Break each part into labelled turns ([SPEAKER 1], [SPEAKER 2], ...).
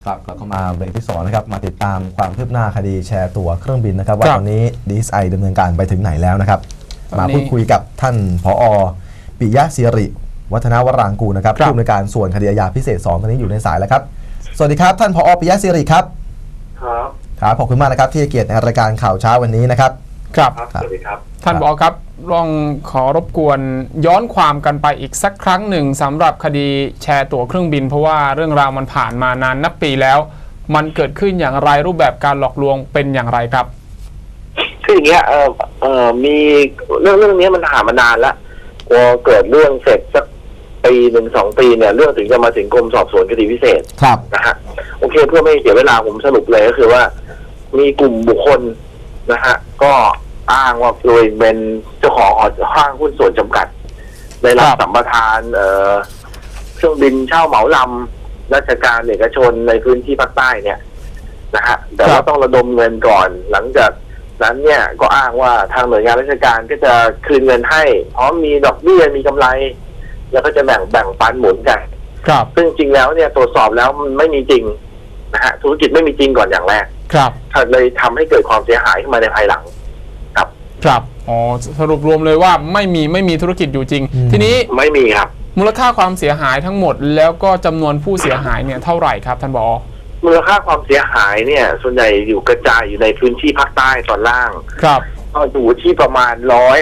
[SPEAKER 1] ครับเราเข้ามาเบรกที่2นะครับมาติดตามความคืบหน้าคดีแชร์ตั๋วเครื่องบินนะครับว่าตอนนี้ DSI ดำเนินการไปถึงไหนแล้วนะครับมาพูดคุยกับท่านผอ.ปิยะศิริวัฒนวรางกูลนะครับผู้อำนวยการส่วนคดีอาญาพิเศษ2ตอนนี้อยู่ในสายแล้วครับสวัสดีครับท่านผอ.ปิยะศิริครับครับขอบคุณมากนะครับที่ให้เกียรติในรายการข่าวเช้าวันนี้นะครับ
[SPEAKER 2] ครับสวัสดีครับท่านผอ.ครับลองขอรบกวนย้อนความกันไปอีกสักครั้งหนึ่งสำหรับคดีแชร์ตั๋วเครื่องบินเพราะว่าเรื่องราวมันผ่านมานานนับปีแล้วมันเกิดขึ้นอย่างไรรูปแบบการหลอกลวงเป็นอย่างไรครับ
[SPEAKER 3] คืออย่างเงี้ยมีเรื่องนี้มันผ่านมานานแล้วพอเกิดเรื่องเสร็จสักปี1-2 ปีเนี่ยเรื่องถึงจะมาถึงกรมสอบสวนคดีพิเศษ
[SPEAKER 1] ครับ
[SPEAKER 3] นะฮะโอเคเพื่อไม่เสียเวลาผมสรุปเลยก็คือว่ามีกลุ่มบุคคลนะฮะก็อ้างว่าตัวเองเป็นเจ้าของห้างหุ้นส่วนจำกัดได้รับสัมปทานเครื่องบินเช่าเหมาลำราชการเอกชนในพื้นที่ภาคใต้เนี่ยนะฮะแต่ว่าต้องระดมเงินก่อนหลังจากนั้นเนี่ยก็อ้างว่าทางหน่วยงานราชการก็จะคืนเงินให้พร้อมมีดอกเบี้ยมีกำไรแล้วก็จะแบ่งปันหมุนกัน
[SPEAKER 2] ครับ
[SPEAKER 3] ซึ่งจริงแล้วเนี่ยตรวจสอบแล้วมันไม่มีจริงนะฮะธุรกิจไม่มีจริงก่อนอย่างแรก
[SPEAKER 2] ครับ
[SPEAKER 3] เลยทำให้เกิดความเสียหายขึ้นมาในภายหลัง
[SPEAKER 2] ครับอ๋อสรุปรวมเลยว่าไม่มีธุรกิจอยู่จริงทีนี้
[SPEAKER 3] ไม่มีครับ
[SPEAKER 2] มูลค่าความเสียหายทั้งหมดแล้วก็จำนวนผู้เสียหายเนี่ยเท่าไหร่ครับท่านผอ.
[SPEAKER 3] มูลค่าความเสียหายเนี่ยส่วนใหญ่อยู่กระจายอยู่ในพื้นที่ภาคใต้ตอนล่าง
[SPEAKER 2] ครับ
[SPEAKER 3] ก็อยู่ที่ประมาณ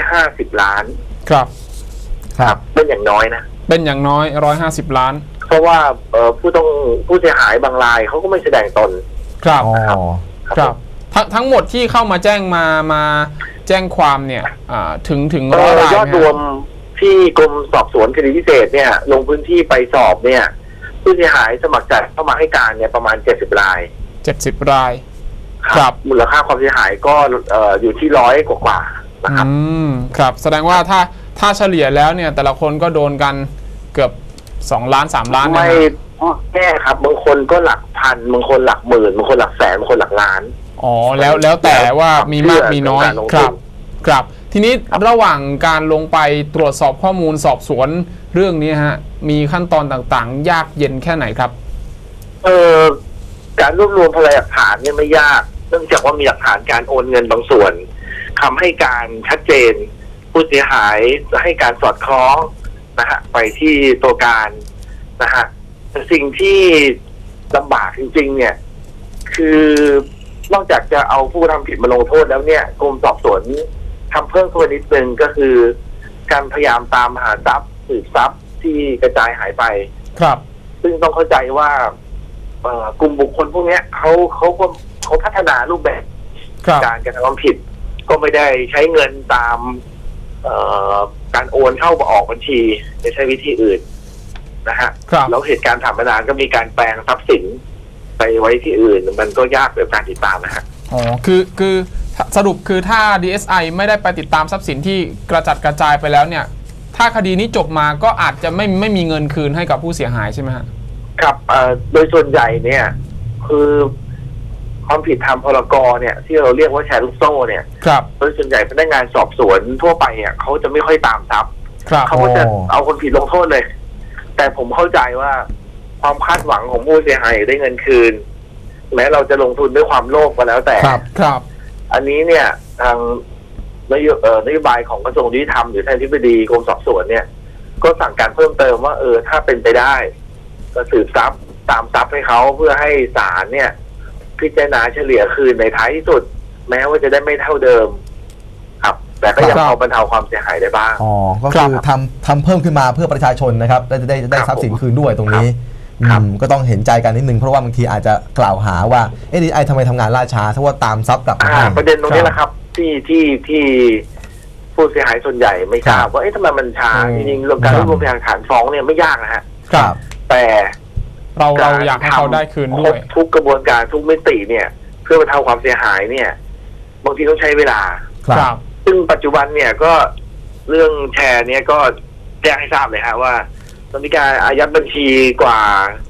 [SPEAKER 3] 150 ล้าน
[SPEAKER 2] ครับ
[SPEAKER 3] เป็นอย่างน้อยนะ
[SPEAKER 2] เป็นอย่างน้อย150 ล้าน
[SPEAKER 3] เพราะว่าผู้เสียหายบางรายเขาก็ไม่แสดงตน
[SPEAKER 2] ครับทั้งหมดที่เข้ามาแจ้งมาแจ้งความเนี่ยถึง100 ราย
[SPEAKER 3] ยอดรวมที่กรมสอบสวนคดีพิเศษเนี่ยลงพื้นที่ไปสอบเนี่ยผู้เสียหายสมัครใจเข้ามาให้การเนี่ยประมาณ70 ราย
[SPEAKER 2] 70 ราย
[SPEAKER 3] ครับมูลค่าความเสียหายก็อยู่ที่100 กว่านะครับ
[SPEAKER 2] ครับแสดงว่าถ้าเฉลี่ยแล้วเนี่ยแต่ละคนก็โดนกันเกือบ2 ล้าน 3 ล้าน
[SPEAKER 3] ไม่แน่ครับบางคนก็หลักพันบางคนหลักหมื่นบางคนหลักแสนบางคนหลักล้าน
[SPEAKER 2] อ๋อแล้วแต่ว่ามีมากมีน้อยครับทีนี้ระหว่างการลงไปตรวจสอบข้อมูลสอบสวนเรื่องนี้ฮะมีขั้นตอนต่างๆยากเย็นแค่ไหนครับ
[SPEAKER 3] การรวบรวมพยานหลักฐานเนี่ยไม่ยากเนื่องจากว่ามีหลักฐานการโอนเงินบางส่วนทำให้การชัดเจนผู้เสียหายให้การสอดคล้องนะฮะไปที่ตัวการนะฮะสิ่งที่ลำบากจริงๆเนี่ยคือนอกจากจะเอาผู้ทำผิดมาลงโทษแล้วเนี่ยกรมสอบสวนทำเพิ่มตัวนิดนึงก็คือการพยายามตามหาทรัพย์สืบทรัพย์ที่กระจายหายไป
[SPEAKER 2] ครับ
[SPEAKER 3] ซึ่งต้องเข้าใจว่ากลุ่มบุคคลพวกนี้เขาพัฒนารูปแบบการกระทำความผิดก็ไม่ได้ใช้เงินตามการโอนเข้าออกบัญชีไม่ใช่วิธีอื่นนะฮะแล้วเหตุการณ์ผ่านมานานก็มีการแปลงทรัพย์สินไปไว้ที่อื่นมันก็ยากในการติดตามนะฮะ
[SPEAKER 2] อ๋อคือสรุปคือถ้า DSI ไม่ได้ไปติดตามทรัพย์สินที่กระจัดกระจายไปแล้วเนี่ยถ้าคดีนี้จบมาก็อาจจะไม่มีเงินคืนให้กับผู้เสียหายใช่ไหมฮะ
[SPEAKER 3] ครับโดยส่วนใหญ่เนี่ยคือความผิดทางพรก.เนี่ยที่เราเรียกว่าแชร์ลูกโซ่เนี่ยโดยส่วนใหญ่พนักงานสอบสวนทั่วไปเนี่ยเขาจะไม่ค่อยตามทรัพย์เขาก็จะเอาคนผิดลงโทษเลยแต่ผมเข้าใจว่าความคาดหวังของผู้เสียหายได้เงินคืนแม้เราจะลงทุนด้วยความโลภก็แล้วแต่
[SPEAKER 2] ครับ
[SPEAKER 3] อันนี้เนี่ยทางนโยบายของกระทรวงยุติธรรมหรือท่านอธิบดีกรมสอบสวนเนี่ยก็สั่งการเพิ่มเติมว่าถ้าเป็นไปได้ก็สืบทรัพย์ตามทรัพย์ให้เขาเพื่อให้ศาลเนี่ยพิจารณาเฉลี่ยคืนในท้ายที่สุดแม้ว่าจะได้ไม่เท่าเดิมครับแต่ก็ยังพอบรรเทาความเสียหายได้บ้าง
[SPEAKER 1] อ๋อก็คือทำเพิ่มขึ้นมาเพื่อประชาชนนะครับได้ทรัพย์สินคืนด้วยตรงนี้ก็ต้องเห็นใจกันนิดนึงเพราะว่าบางทีอาจจะกล่าวหาว่าDSIทำไมทำงานล่าช้าเพราะว่าตามทรัพย์กลับมา
[SPEAKER 3] ประเด็นตรงนี้แหละครับที่ผู้เสียหายส่วนใหญ่ไม่ทราบว่าทำไมมันช้าจริงๆเรื่องการรวบรวมพยานหลักฐานฟ้องเนี่ยไม่ยากนะฮะแต่
[SPEAKER 2] เราอยากให้เขาได้คืนด้วย
[SPEAKER 3] ทุกกระบวนการทุกมิติเนี่ยเพื่อบรรเทาความเสียหายเนี่ยบางทีต้องใช้เวลาซึ่งปัจจุบันเนี่ยก็เรื่องแชร์เนี่ยก็แจ้งให้ทราบเลยฮะว่ามีการอายัดบัญชีกว่า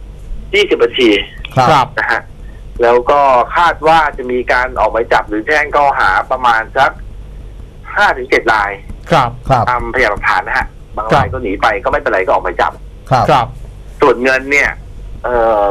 [SPEAKER 3] 20 บัญชีนะฮะแล้วก็คาดว่าจะมีการออกหมายจับหรือแจ้งข้อหาประมาณสัก5-7 รายตามพยานหลักฐานนะฮะบางรายก็หนีไปก็ไม่เป็นไรก็ออกหมายจับส่วนเงินเนี่ย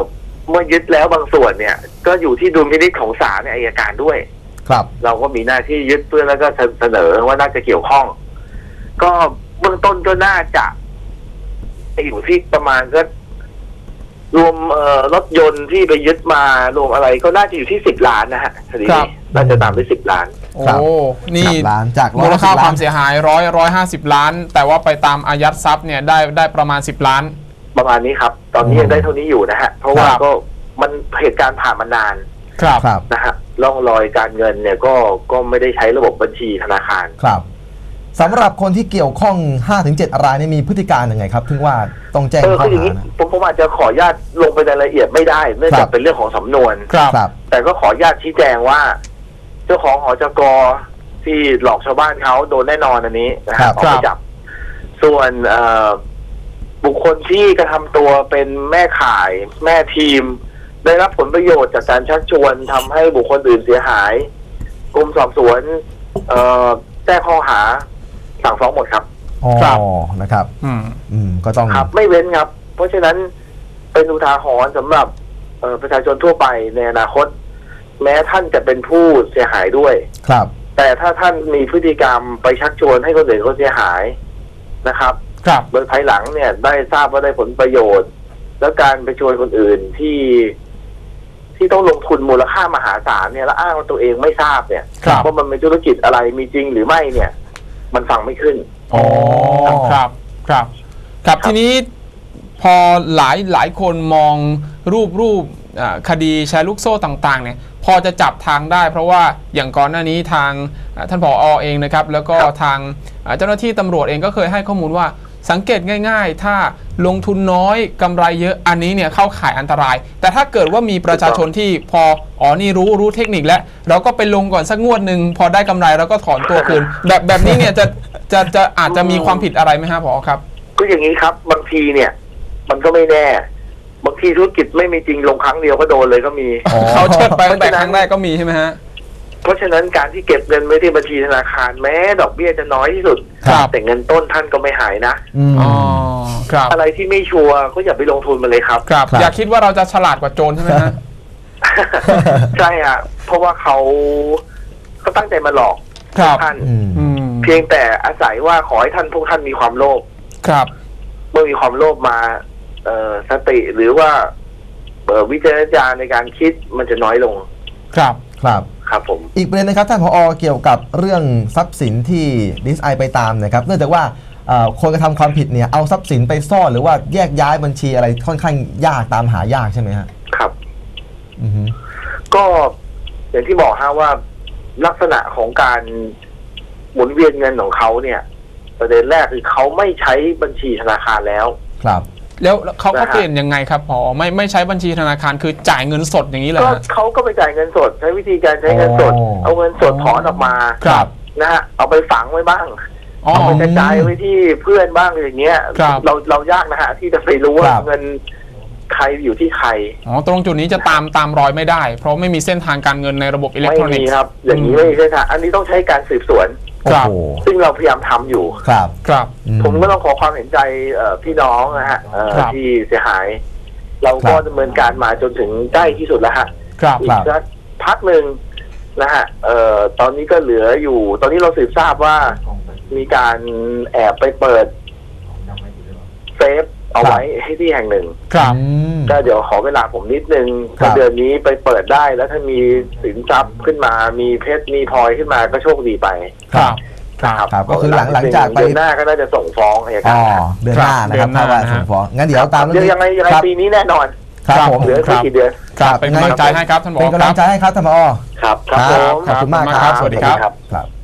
[SPEAKER 3] เมื่อยึดแล้วบางส่วนเนี่ย ก็อยู่ที่ดุลพินิจของศาลอัยการด้วย
[SPEAKER 1] ครับ
[SPEAKER 3] เราก็มีหน้าที่ยึดเพื่อแล้วก็เสนอว่าน่าจะเกี่ยวข้อง ก็เบื้องต้นก็น่าจะอยู่ที่ประมาณก็รวมรถยนต์ที่ไปยึดมารวมอะไรก็น่าจะอยู่ที่10 ล้านนะฮะคดี
[SPEAKER 2] ครั
[SPEAKER 3] นี้
[SPEAKER 2] บ
[SPEAKER 3] น่าจะตามไป10 ล้าน
[SPEAKER 2] โอ้
[SPEAKER 1] ครับ
[SPEAKER 2] นี่
[SPEAKER 1] 10 ล้านจาก
[SPEAKER 2] มูลค่า
[SPEAKER 1] 150
[SPEAKER 2] ความเสียหาย150 ล้าน แต่ว่าไปตามอายัดทรัพย์เนี่ยได้ประมาณ10 ล้าน
[SPEAKER 3] ประมาณนี้ครับ ตอนนี้ยังได้เท่านี้อยู่นะฮะ เพราะว่า
[SPEAKER 2] ครับ
[SPEAKER 3] ก็มันเหตุการณ์ผ่านมานาน
[SPEAKER 2] ครับ
[SPEAKER 1] ครับ
[SPEAKER 3] นะฮะร่องรอยการเงินเนี่ยก็ไม่ได้ใช้ระบบบัญชีธนาคาร
[SPEAKER 1] ครับสำหรับคนที่เกี่ยวข้อง 5-7 รายนี่มีพฤติการยังไงครับถึงว่าต้องแจ้งข้อ
[SPEAKER 3] คืออย่าง
[SPEAKER 1] หา
[SPEAKER 3] นี้
[SPEAKER 1] นะ
[SPEAKER 3] ผมอาจจะขออนุญาตลงไปในรายละเอียดไม่ได้เนื่อง
[SPEAKER 1] ครั
[SPEAKER 3] จาก
[SPEAKER 1] บ
[SPEAKER 3] เป็นเรื่องของสำนวน
[SPEAKER 2] ครับ
[SPEAKER 1] ครับ
[SPEAKER 3] แต่ก็ขออนุญาตชี้แจงว่า เจ้าของหอจกที่หลอกชาวบ้านเขาโดนแน่นอนอันนี้นะ
[SPEAKER 1] ครั
[SPEAKER 3] ฮะ
[SPEAKER 1] บ
[SPEAKER 3] ออกหมายจับ ส่วนบุคคลที่กระทำตัวเป็นแม่ข่ายแม่ทีม ได้รับผลประโยชน์จากการชักชวนทำให้บุคคลอื่นเสียหายกรมสอบสวนแจ้งข้อหาสั่งฟ้องหมดครับ
[SPEAKER 1] อ๋อ
[SPEAKER 2] ครับ
[SPEAKER 1] นะครับ ก็ต้อง
[SPEAKER 3] ครับ ไม่เว้นครับ เพราะฉะนั้นเป็นอุทาหรณ์สำหรับประชาชนทั่วไปในอนาคต แม้ท่านจะเป็นผู้เสียหายด้วย
[SPEAKER 1] ครับ
[SPEAKER 3] แต่ถ้าท่านมีพฤติกรรมไปชักชวนให้คนอื่นเขาเสียหายนะครับ
[SPEAKER 2] ครับ
[SPEAKER 3] โดยภายหลังเนี่ยได้ทราบว่าได้ผลประโยชน์ แล้วการไปชวนคนอื่นที่ต้องลงทุนมูลค่ามหาศาลเนี่ยแล้วอ้างว่าตัวเองไม่ทราบเนี่ย
[SPEAKER 2] ครับ
[SPEAKER 3] ว่ามันเป็นธุรกิจอะไรมีจริงหรือไม่เนี่ย มันฟังไม่ขึ้น
[SPEAKER 2] อ๋อครับครับทีนี้พอหลายคนมองรูปคดีแชร์ลูกโซ่ต่างๆเนี่ยพอจะจับทางได้ เพราะว่าอย่างก่อนหน้านี้ทางท่านผอ.เองนะครับแล้วก็
[SPEAKER 3] ครับ
[SPEAKER 2] ทางเจ้าหน้าที่ตำรวจเองก็เคยให้ข้อมูลว่าสังเกตง่ายๆ ถ้าลงทุนน้อยกำไรเยอะอันนี้เนี่ยเข้าข่ายอันตราย แต่ถ้าเกิดว่ามีประชาชนที่พอนี่รู้เทคนิคแล้วเราก็ไปลงก่อนสักงวดหนึ่งพอได้กำไรแล้วก็ถอนตัวคืน แบบนี้เนี่ยจะอาจจะมีความผิดอะไรไหมฮะผอ.ครับ
[SPEAKER 3] ก็อย่างนี้ครับ บางทีเนี่ย มันก็ไม่แน่ บางทีธุรกิจไม่มีจริงลงครั้งเดียวก็โดนเลยก็มี
[SPEAKER 1] อ๋อ
[SPEAKER 2] เขาเชิดไปตั้งแต่ครั้งแรกก็มีใช่ไหมฮะ
[SPEAKER 3] เพราะฉะนั้นการที่เก็บเงินไว้ที่บัญชีธนาคารแม้ดอกเบี้ยจะน้อยที่สุด
[SPEAKER 2] ครับ
[SPEAKER 3] แต่เงินต้นท่านก็ไม่หายนะ
[SPEAKER 2] อ๋อครับ
[SPEAKER 3] อะไรที่ไม่ชัวร์ก็อย่าไปลงทุนมันเลยครับ
[SPEAKER 2] ครับ
[SPEAKER 1] ครับ
[SPEAKER 2] อย่าคิดว่าเราจะฉลาดกว่าโจรใช่ไหมฮะ
[SPEAKER 3] ใช่ฮะเพราะว่าเขาตั้งใจมาหลอก
[SPEAKER 2] ครับ
[SPEAKER 3] ท่าน
[SPEAKER 2] อืม
[SPEAKER 3] เพียงแต่อาศัยว่าขอให้พวกท่านมีความโลภ
[SPEAKER 2] ครับ
[SPEAKER 3] เมื่อมีความโลภมาสติหรือว่าวิจารณญาณในการคิดมันจะน้อยลง
[SPEAKER 2] ครับ
[SPEAKER 1] ครับ
[SPEAKER 3] ครับผม
[SPEAKER 1] อีกประเด็นนะครับท่านผอ.เกี่ยวกับเรื่องทรัพย์สินที่ดีเอสไอไปตามนะครับเนื่องจากว่าคนกระทำความผิดเนี่ยเอาทรัพย์สินไปซ่อนหรือว่าแยกย้ายบัญชีอะไรค่อนข้างยากตามหายากใช่ไหมฮะ
[SPEAKER 3] ครับ
[SPEAKER 1] อือฮึ
[SPEAKER 3] ก็อย่างที่บอกฮะว่าลักษณะของการหมุนเวียนเงินของเขาเนี่ย ประเด็นแรกคือเขาไม่ใช้บัญชีธนาคารแล้ว
[SPEAKER 1] ครับ
[SPEAKER 2] แล้วเขาก็
[SPEAKER 3] นะฮะ
[SPEAKER 2] เปลี่ยนยังไงครับผอไม่ใช้บัญชีธนาคารคือจ่ายเงินสดอย่างนี้เลย
[SPEAKER 3] ก็
[SPEAKER 2] ฮะ
[SPEAKER 3] เขาก็ไปจ่ายเงินสด ใช้วิธีการใช้เงินสด
[SPEAKER 1] อ๋อ
[SPEAKER 3] เอาเงินสดถอนออกมา
[SPEAKER 2] ครับ
[SPEAKER 3] นะฮะเอาไปฝังไว้บ้าง
[SPEAKER 2] อ๋อ
[SPEAKER 3] เอาไปกระจายไว้ที่เพื่อนบ้างอย่างเงี้ย
[SPEAKER 2] ครับ
[SPEAKER 3] เรายากนะฮะที่จะไปรู้ว่า
[SPEAKER 1] ครับ
[SPEAKER 3] เงินใครอยู่ที่ใคร
[SPEAKER 2] อ๋อตรงจุดนี้จะตามรอยไม่ได้ เพราะไม่มีเส้นทางการเงินในระบบอิเล็ก
[SPEAKER 3] ไม่
[SPEAKER 2] ทรอนิ
[SPEAKER 3] มี
[SPEAKER 2] กส์
[SPEAKER 3] ครับ อย่างนี้ไม่มีใช่ค่ะอันนี้ต้องใช้การสืบสวน
[SPEAKER 2] ครับ
[SPEAKER 1] โอ้โห
[SPEAKER 3] ซึ่งเราพยายามทำอยู่
[SPEAKER 1] ครับ
[SPEAKER 2] ครับ
[SPEAKER 3] ผมก็ต้องขอความเห็นใจพี่น้องนะฮะ
[SPEAKER 2] ครับ
[SPEAKER 3] ที่เสียหาย เราก็ดำเนินการมาจนถึงใกล้ที่สุดแล้วฮะ
[SPEAKER 2] ครับ
[SPEAKER 3] อีกสักพักหนึ่งนะฮะตอนนี้ก็เหลืออยู่ ตอนนี้เราสืบทราบว่ามีการแอบไปเปิดเซฟเอาไว้ให้ที่แห่งหนึ่ง
[SPEAKER 2] ครับ
[SPEAKER 3] ก็เดี๋ยวขอเวลาผมนิดนึง
[SPEAKER 1] ครับ
[SPEAKER 3] เดือนนี้ไปเปิดได้แล้วถ้ามีสินทรัพย์ขึ้นมา มีเพชรมีพลอยขึ้นมาก็โชคดีไป
[SPEAKER 2] ครับ
[SPEAKER 1] ครับก็คือหลังจากไป
[SPEAKER 3] เดือนหน้าก็น่าจะส่งฟ้องอัย
[SPEAKER 1] อ๋
[SPEAKER 3] กา
[SPEAKER 1] อ
[SPEAKER 3] ร
[SPEAKER 1] เดือนหน้านะครับ
[SPEAKER 2] เดือนหน้า
[SPEAKER 1] ถ้าว่า
[SPEAKER 2] นะฮะ
[SPEAKER 1] ส่งฟ้องงั้นเดี๋ยวตาม
[SPEAKER 3] เดี๋ยวยังไง
[SPEAKER 1] ครับ
[SPEAKER 3] ปีนี้แน่นอน
[SPEAKER 1] ครับผม
[SPEAKER 3] เหลือไม่กี่เดือน
[SPEAKER 2] ครับเป็นกำลังใจให้ครับท่านผอ
[SPEAKER 1] เป็นกำลังใจให้ครับท่านผอ.
[SPEAKER 3] ครับ ครับผม
[SPEAKER 1] ขอบคุณมากครับ
[SPEAKER 2] สวัสดีครับ
[SPEAKER 1] ครับ